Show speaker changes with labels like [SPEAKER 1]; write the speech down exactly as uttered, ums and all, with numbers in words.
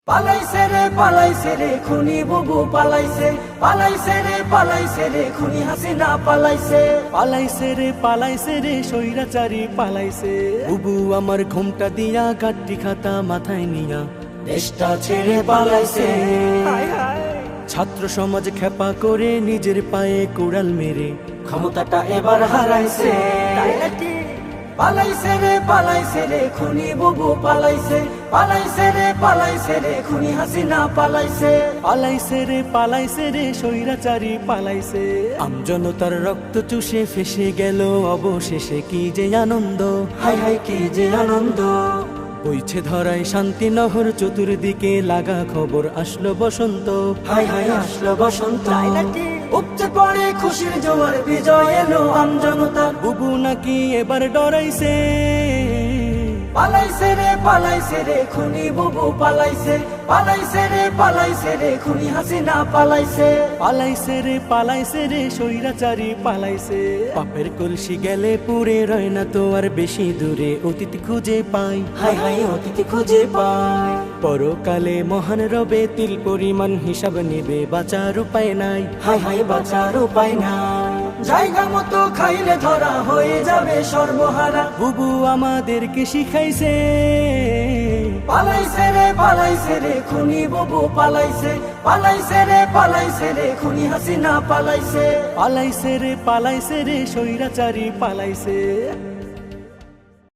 [SPEAKER 1] পালাইছে রে পালাইছে রে খুনি বুবু পালাইছে, পালাইছে রে পালাইছে রে খুনি হাসিনা পালাইছে,
[SPEAKER 2] পালাইছে রে পালাইছে রে স্বৈরাচারী পালাইছে। বুবু আমার ঘুমটা দিয়া গাড্ডি খাতা মাথায় নিয়া
[SPEAKER 1] দেশটা ছেড়ে পালাইছে।
[SPEAKER 2] ছাত্র সমাজ খেপা করে নিজের পায়ে কুড়াল মেরে
[SPEAKER 1] ক্ষমতাটা এবার হারাইছে। পালাইছে রে পালাইছে রে খুনি বুবু পালাইছে, পালাইছে রে পালাইছে রে খুনি হাসিনা পালাইছে,
[SPEAKER 2] পালাইছে রে পালাইছে রে স্বৈরাচারী পালাইছে। আমজনতার রক্ত চুষে ফেসে গেল অবশেষে কি যে আনন্দ,
[SPEAKER 1] হাই হাই কি যে আনন্দ।
[SPEAKER 2] বইছে ধরায় শান্তি নহর চতুর্দিকে লাগা খবর আসলো বসন্ত,
[SPEAKER 1] হাই হাই আসলো বসন্ত। উপচে পড়ে খুশির জোয়ার বিজয় এলো আমজনতার।
[SPEAKER 2] বুবু নাকি এবার ডরাইছে।
[SPEAKER 1] পালাইছে রে পালাইছে রে খুনি বুবু পালাইছে, পালাইছে রে পালাইছে রে খুনি হাসিনা পালাইছে,
[SPEAKER 2] পালাইছে রে পালাইছে রে স্বৈরাচারী পালাইছে। পাপের কলসি গেলে পুরে রয় না তো আর বেশি দূরে অতীত খুঁজে পাই,
[SPEAKER 1] হাই হাই অতীত খুঁজে পাই।
[SPEAKER 2] পরকালে মহান রবে তিল পরিমাণ হিসাব নেবে, বাঁচার উপায় নাই,
[SPEAKER 1] হাই হাই বাঁচার উপায় নাই। জায়গা মতো খাইলে ধরা হয়ে যাবে সর্বহারা।
[SPEAKER 2] বুবু আমাদেরকে শিখাইছে।
[SPEAKER 1] পালাইছে রে পালাইছে রে খুনি বুবু পালাইছে, পালাইছে রে পালাইছে রে খুনি হাসিনা পালাইছে,
[SPEAKER 2] পালাইছে রে পালাইছে রে স্বৈরাচারী পালাইছে।